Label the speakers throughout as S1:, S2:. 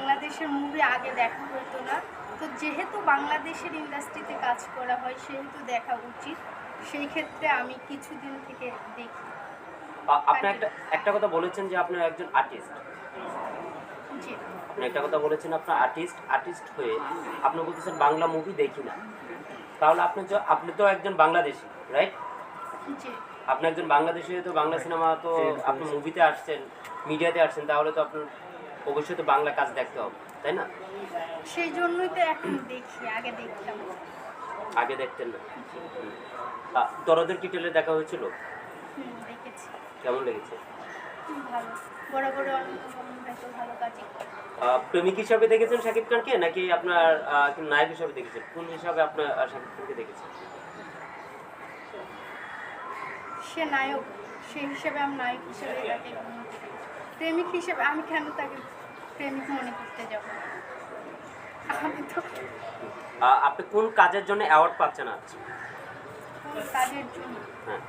S1: বাংলাদেশের মুভি আগে দেখা হতো না, তো যেহেতু বাংলাদেশের ইন্ডাস্ট্রিতে কাজ করা হয় সেহেতু দেখা উচিত। সেই ক্ষেত্রে আমি কিছুদিন থেকে দেখি।
S2: আপনি একটা কথা বলেছেন যে আপনি একজন আর্টিস্ট।
S1: জি
S2: আপনি একটা কথা বলেছেন আপনার আর্টিস্ট হয়ে আপনি বলতেছেন বাংলা মুভি দেখি না, তাহলে আপনি তো একজন বাংলাদেশি, রাইট?
S1: জি
S2: আপনি একজন বাংলাদেশি হয়ে তো বাংলা সিনেমা তো আপনি মুভিতে আসছেন, মিডিয়াতে আসছেন, তাহলে তো আপনার অবশ্যই তো বাংলা কাজ দেখতে হবে, তাই না?
S1: সেই জন্যই তো এখন দেখি, আগে দেখতাম।
S2: আগে দেখতেন না? দরদের কি টেলে দেখা হয়েছিল?
S1: দেখেছি।
S2: কেমন লেগেছে?
S1: ভালো, বরাবর অনেক তো ভালো কাজই করে।
S2: প্রেমিক হিসাবে দেখেছেন শাকিব খানকে নাকি আপনার নায়ক হিসাবে দেখেছেন? কোন হিসাবে আপনার শাকিব খানকে দেখেছেন?
S1: সে নায়ক, সেই হিসেবে আমি নায়ক হিসেবে তাকে গ্রহণ করি। প্রেমিক হিসেবে আমি কেন তাকে প্রেমিক মনে করতে যাব? আমি তো
S2: আপনি কোন কাজের জন্য অ্যাওয়ার্ড পাচ্ছেন আজ?
S1: কোন কাজের জন্য
S2: হ্যাঁ,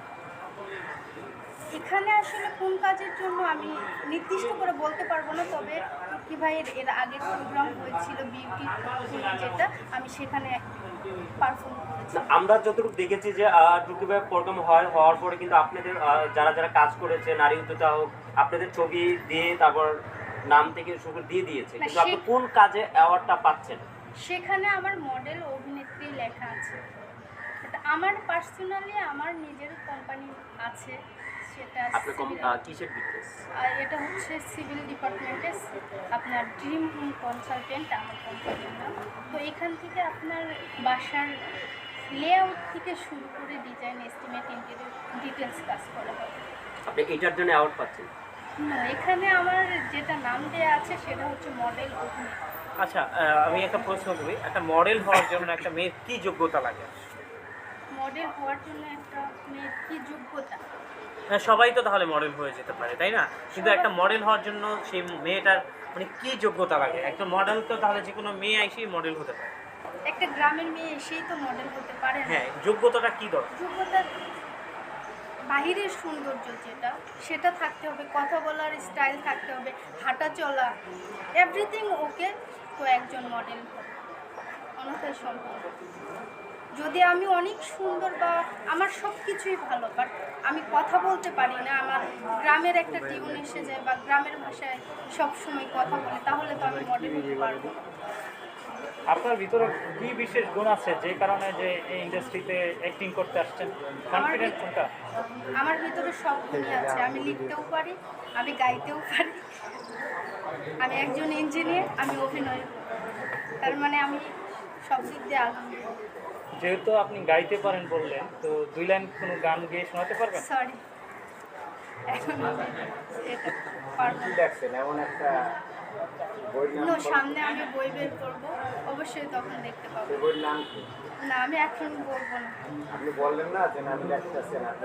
S1: এখানে আসলে কোন কাজের জন্য আমি নির্দিষ্ট করে বলতে পারবো না, তবে কি ভাইয়ের এর আগের প্রোগ্রাম হয়েছিল বিউটি, যেটা আমি সেখানে পারফর্ম করেছি।
S2: আমরা যতটুকু দেখেছি যে টুকি ভাই প্রোগ্রাম হওয়ার পরে কিন্তু আপনাদের যারা কাজ করেছে, নারী উদ্যোক্তা হোক, আপনাদের ছবি দিয়ে তারপর নাম থেকে শুরু দিয়ে দিয়েছে, কিন্তু আপনি কোন কাজে অ্যাওয়ার্ডটা পাচ্ছেন?
S1: সেখানে আমার মডেল অভিনেত্রী লেখা আছে। এটা আমার পার্সোনালি আমার নিজের কোম্পানি আছে, সেটা
S2: কিসের বিজনেস?
S1: এটা হচ্ছে সিভিল ডিপার্টমেন্টের আপনার ড্রিম কনসালটেন্ট আমার কোম্পানির নাম। তো এখান থেকে আপনার বাসার লেআউট থেকে শুরু করে ডিজাইন, এস্টিমেট, ইন্টেরিয়র ডিটেলস কাজ করা হয়।
S2: আপনি এটার জন্য অ্যাওয়ার্ড পাচ্ছেন?
S1: এখানে আমার যেটা নাম দেওয়া আছে সেটা হচ্ছে মডেল অভিনেত্রী।
S3: আচ্ছা, আমি একটা প্রশ্ন করি, একটা মডেল হওয়ার জন্য একটা মেয়ের কী যোগ্যতা লাগে?
S1: মডেল হওয়ার জন্য একটা মেয়ের কী যোগ্যতা?
S3: হ্যাঁ, সবাই তো তাহলে মডেল হয়ে যেতে পারে, তাই না? কিন্তু একটা মডেল হওয়ার জন্য সেই মেয়েটার মানে কী যোগ্যতা লাগে? একটা মডেল তো তাহলে যে কোনো মেয়ে এসেই মডেল হতে পারে।
S1: একটা গ্রামের মেয়ে এসেই তো মডেল হতে পারে না।
S3: হ্যাঁ, যোগ্যতাটা কী দরকার?
S1: যোগ্যতা বাহিরের সৌন্দর্য যেটা, সেটা থাকতে হবে, কথা বলার স্টাইল থাকতে হবে, হাঁটা চলা, এভরিথিং ওকে, তো একজন মডেল অন্যথায় সম্ভব। যদি আমি অনেক সুন্দর বা আমার সব কিছুই ভালো, বাট আমি কথা বলতে পারি না, আমার গ্রামের একটা টিউন এসে যায় বা গ্রামের ভাষায় সবসময় কথা বলে, তাহলে তো আমি মডেল হতে পারবো।
S4: আপনার ভিতরে কি বিশেষ গুণ আছে যে কারণে যে এই ইন্ডাস্ট্রিতে অ্যাক্টিং করতে আসছেন? কনফিডেন্ট কোনটা?
S1: আমার ভিতরে সব গুণই আছে। আমি লিখতেও পারি, আমি গাইতেও পারি, আমি একজন ইঞ্জিনিয়ার, আমি অভিনয়, তার মানে আমি সব দিক দিয়ে আলহামদুলিল্লাহ।
S4: যেহেতু আপনি গাইতে পারেন বললেন, তো 2 লাইন কোনো গান গেয়ে শোনাতে পারবেন?
S1: সরি, এখন আমি এটা পারবো না। সামনে আমি বই বের করবো, অবশ্যই তখন দেখতে পাবো। না, আমি এখন বলবো না।
S5: আপনি বললেন না যে আমি লেখতেছেন, আপনি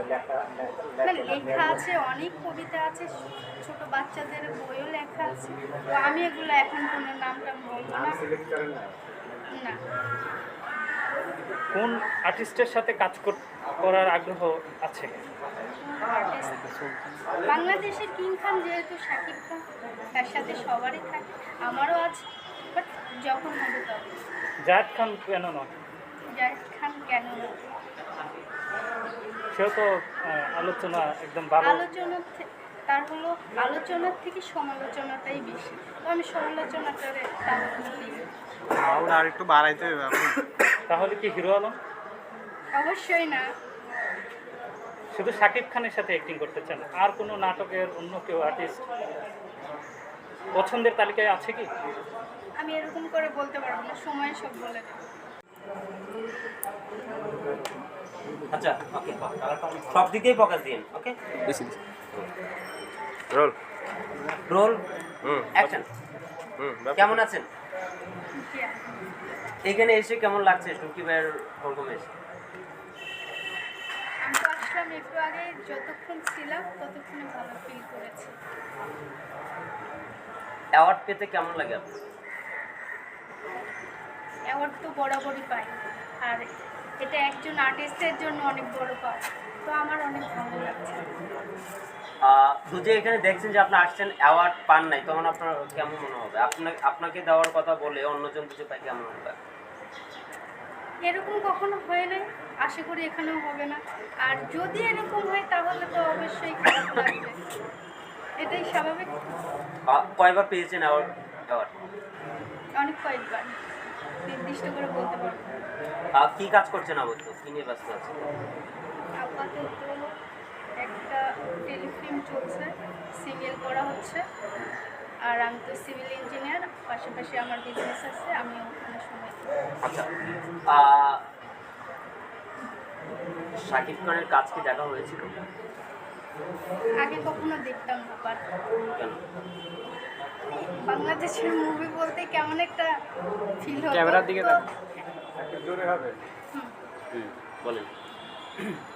S1: লেখা আছে, অনেক কবিতা আছে, ছোট বাচ্চাদের বইও লেখা আছে, তো আমি এগুলো এখন কোনো নামটা বলবো না।
S5: সিলেক্ট করেন না।
S1: না,
S4: কোন আর্টিস্টের সাথে কাজ করার আগ্রহ আছে?
S1: বাংলাদেশের কিং খান যেহেতু শাকিব খান, তার সাথে সবারই থাকে, আমারও আছে, বাট যখন হবে তবে।
S4: জায়েদ খান কেন নয়?
S1: জায়েদ খান কেন না?
S4: সেও তো আলোচনা একদম ভালো।
S1: তার হলো আলোচনার থেকে সমালোচনাটাই বেশি, তো আমি সমালোচনাটারে প্রাধান্য দিই।
S5: আর একটু বাড়াইতে হবে আপনি।
S4: তাহলে কি হিরো আলম?
S1: অবশ্যই না।
S4: শুধু শাকিব খানের সাথে অ্যাক্টিং করতে চান? আর কোনো নাটকের অন্য কেউ আর্টিস্ট পছন্দের তালিকায় আছে কি?
S1: আমি এরকম করে বলতে পারবো না, সময় সব বলে দেবে।
S2: আচ্ছা, ওকে, সব দিকেই ফোকাস দিন। Okay,
S5: roll
S2: roll, action. কেমন আছেন? এখানে এসে কেমন লাগছে টুকি ভাইয়ের প্রোগ্রামে এসে?
S1: আমি তো আসলাম একটু আগে, যতক্ষণ ছিলাম ততক্ষণে ভালো ফিল করেছি।
S2: অ্যাওয়ার্ড পেতে কেমন লাগে আপনার?
S1: অ্যাওয়ার্ড তো বরাবরই পাই, আর এটা একজন আর্টিস্টের জন্য অনেক বড় পাওয়া। তো আমার অনেক ভালো লাগছে।
S2: দুজে এখানে দেখছেন যে আপনি আসছেন অ্যাওয়ার্ড পান নাই, তখন আপনার কেমন মনে হবে? আপনাকে দেওয়ার কথা বলে অন্যজন দুজে পাই কেমন হবে?
S1: এরকম কখনো হয় নাই, আশা করি এখানেও হবে না। আর যদি এরকম হয় তাহলে তো অবশ্যই খারাপ লাগবে, এটাই স্বাভাবিক।
S2: কয়বার পেয়েছেন অ্যাওয়ার্ড?
S1: অনেক কয়েকবার, নির্দিষ্ট করে বলতে পারবো না।
S2: কি কাজ করছেন আপাতত? কি নিয়ে ব্যস্ত আছেন?
S1: আপাতত একটা টেলিফিল্ম চলছে, সিরিয়াল করা হচ্ছে। আর আমি তো সিভিল ইঞ্জিনিয়ার, পাশাপাশি আমার বিজনেস আছে, আমি ওখানে সময় দিই।
S2: আচ্ছা, শাকিব খানের কাজ কি দেখা হয়েছিল?
S1: আগে কখনো দেখতাম না, বাট
S2: কেন?
S1: বাংলাদেশের মুভি বলতে কেমন একটা ফিল হতো।
S5: ক্যামেরার দিকে
S1: তো
S5: একটু জোরে হবে।
S2: বলেন।